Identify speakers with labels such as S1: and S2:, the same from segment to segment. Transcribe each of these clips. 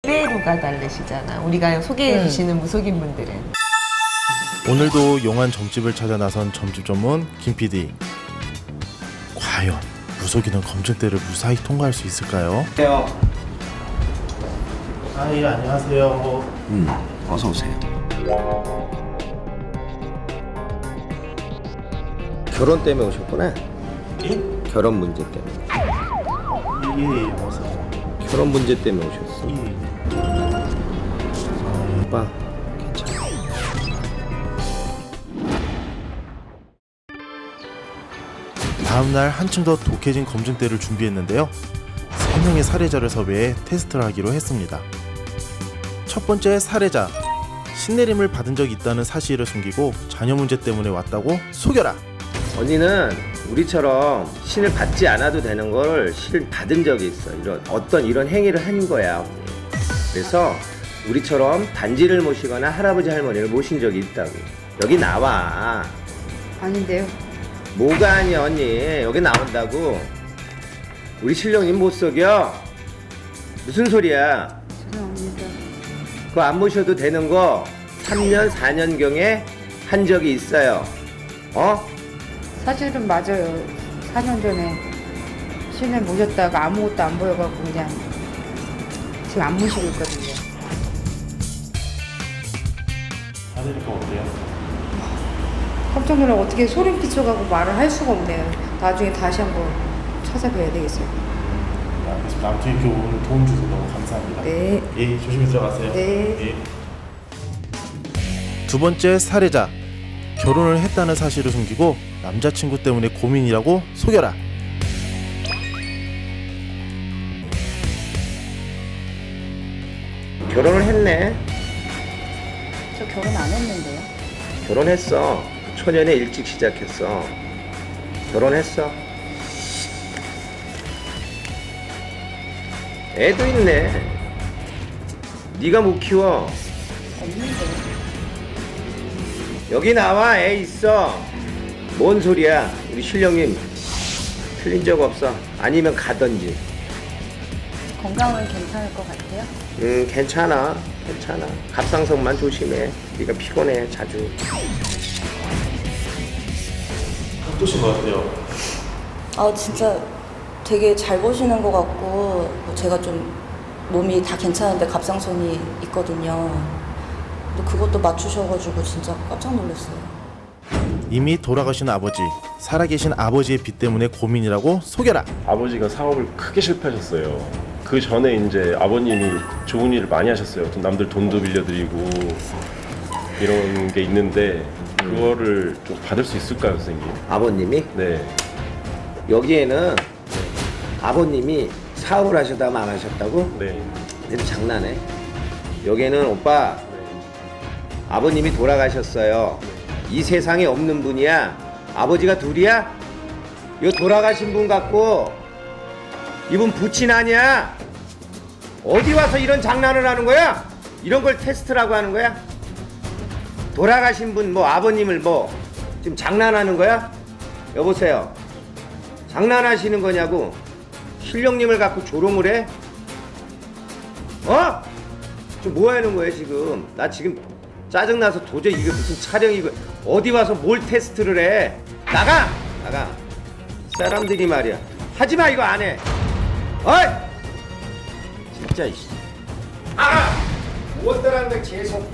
S1: 레벨루가 다르시잖아. 우리가 소개해 주시는 무속인 분들은.
S2: 오늘도 용한 점집을 찾아 나선 점집 전문 김 PD. 과연 무속인은 검증대를 무사히 통과할 수 있을까요? 예, 안녕하세요.
S3: 어서 오세요. 결혼 때문에 오셨구나.
S2: 예?
S3: 결혼 문제 때문에.
S2: 예, 어서.
S3: 결혼 문제 때문에 오셨어.
S2: 예.
S3: 오빠, 괜찮아.
S2: 다음날 한층 더 독해진 검증대를 준비했는데요. 3명의 사례자를 섭외해 테스트를 하기로 했습니다. 첫 번째 사례자, 신내림을 받은 적이 있다는 사실을 숨기고 자녀 문제 때문에 왔다고 속여라.
S3: 언니는 우리처럼 신을 받지 않아도 되는 걸 신을 받은 적이 있어. 이런 행위를 한 거야, 언니. 그래서 우리처럼 단지를 모시거나 할아버지 할머니를 모신 적이 있다고. 여기 나와.
S4: 아닌데요.
S3: 뭐가 아니야, 언니. 여기 나온다고. 우리 신령님 못 속여. 무슨 소리야.
S4: 죄송합니다.
S3: 그거 안 모셔도 되는 거 3년, 4년경에 한 적이 있어요.
S4: 사실은 맞아요. 4년 전에 신을 모셨다가 아무것도 안 보여갖고 그냥 지금 안 모시고 있거든요.
S2: 받으니까 어때요?
S4: 깜짝 놀라 어떻게 소름 끼쳐가고 말을 할 수가 없네요. 나중에 다시 한번 찾아뵈야 되겠어요.
S2: 알겠습니다. 아무튼 이렇게 오늘 도움 주셔서 너무 감사합니다.
S4: 네.
S2: 예, 조심히 들어가세요.
S4: 네.
S2: 예. 두 번째 사례자, 결혼을 했다는 사실을 숨기고 남자친구 때문에 고민이라고 속여라.
S3: 결혼을 했네.
S4: 저 결혼 안 했는데요.
S3: 결혼했어. 초년에 일찍 시작했어. 결혼했어. 애도 있네. 네가 못 키워.
S4: 없는데요.
S3: 여기 나와. 애 있어. 뭔 소리야. 우리 신령님 틀린 적 없어. 아니면 가던지.
S4: 건강은 괜찮을 것 같아요.
S3: 괜찮아. 괜찮아. 갑상선만 조심해. 네가 피곤해 자주.
S2: 어떠신 것 같아요?
S5: 아 진짜 되게 잘 보시는 것 같고 뭐 제가 좀 몸이 다 괜찮은데 갑상선이 있거든요. 근데 그것도 맞추셔가지고 진짜 깜짝 놀랐어요.
S2: 이미 돌아가신 아버지, 살아계신 아버지의 빚 때문에 고민이라고 속여라.
S6: 아버지가 사업을 크게 실패하셨어요. 그 전에 이제 아버님이 좋은 일을 많이 하셨어요. 남들 돈도 빌려드리고 이런 게 있는데 그거를 좀 받을 수 있을까요, 선생님?
S3: 아버님이?
S6: 네.
S3: 여기에는 아버님이 사업을 하셨다면 안 하셨다고?
S6: 네.
S3: 근데 장난해. 여기에는 오빠 아버님이 돌아가셨어요. 이 세상에 없는 분이야. 아버지가 둘이야? 이 돌아가신 분 같고 이분 부친 아니야. 어디 와서 이런 장난을 하는 거야? 이런 걸 테스트라고 하는 거야? 돌아가신 분 뭐 아버님을 뭐 지금 장난하는 거야? 여보세요. 장난하시는 거냐고. 신령님을 갖고 조롱을 해? 저 뭐 하는 거예요 지금? 나 지금 짜증나서 도저히 이게 무슨 촬영이고 어디 와서 뭘 테스트를 해? 나가! 나가. 사람들이 말이야. 하지마 이거 안 해. 어이! 진짜 이씨. 무엇들한 걸 계속.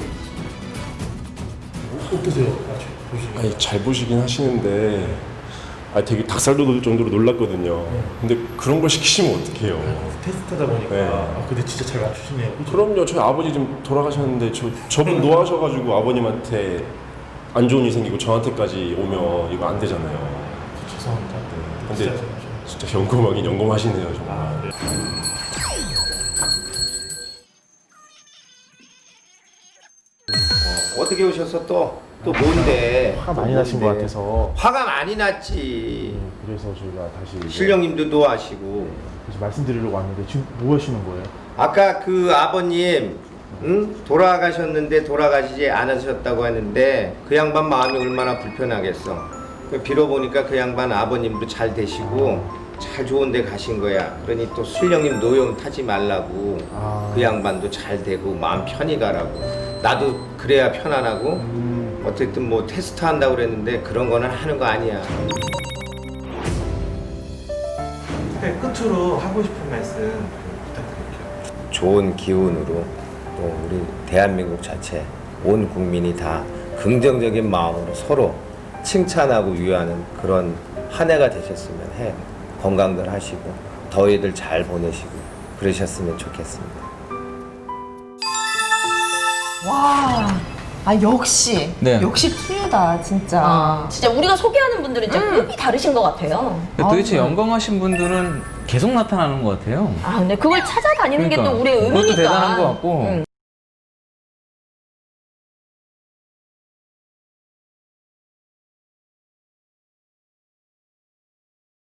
S2: 어떠세요?
S6: 아니 잘 보시긴 하시는데 되게 닭살 돋을 정도로 놀랐거든요. 근데 그런 걸 시키시면 어떡해요?
S2: 테스트하다 보니까
S6: 네.
S2: 근데 진짜 잘 맞추시네요.
S6: 그럼요. 저희 아버지 좀 돌아가셨는데 저분 노하셔가지고 아버님한테 안 좋은 일 생기고 저한테까지 오면 이거 안 되잖아요.
S2: 죄송합니다.
S6: 근데 진짜 연금하긴 연금하시네요 정말.
S2: 네.
S3: 어떻게 오셨어 또? 또 뭔데?
S2: 화가 많이 나신 것 같아서
S3: 화가 많이 났지.
S2: 그래서 저희가 다시 이제
S3: 신령님도 노하시고.
S2: 그래서 말씀드리려고 왔는데 지금 뭐 하시는 거예요?
S3: 아까 그 아버님 돌아가셨는데 돌아가시지 않으셨다고 하는데 그 양반 마음이 얼마나 불편하겠어. 빌어보니까 그 양반 아버님도 잘 되시고 잘 좋은 데 가신 거야. 그러니 또 술령님 노여움 타지 말라고. 그 양반도 잘 되고 마음 편히 가라고. 나도 그래야 편안하고. 어쨌든 뭐 테스트 한다고 그랬는데 그런 거는 하는 거 아니야.
S7: 네, 끝으로 하고 싶은 말씀 부탁드릴게요.
S3: 좋은 기운으로 또 우리 대한민국 자체 온 국민이 다 긍정적인 마음으로 서로 칭찬하고 위하는 그런 한 해가 되셨으면 해요. 건강들 하시고 더위들 잘 보내시고 그러셨으면 좋겠습니다.
S1: 와. 아 역시
S8: 네.
S1: 역시 투유다 진짜.
S9: 진짜 우리가 소개하는 분들은 진짜 급이 다르신 것 같아요.
S8: 도대체 영광하신 분들은 계속 나타나는 것 같아요.
S9: 아, 근데 그걸 찾아다니는 게 또 우리의
S8: 그것도
S9: 의미니까.
S8: 대단한 것 같고.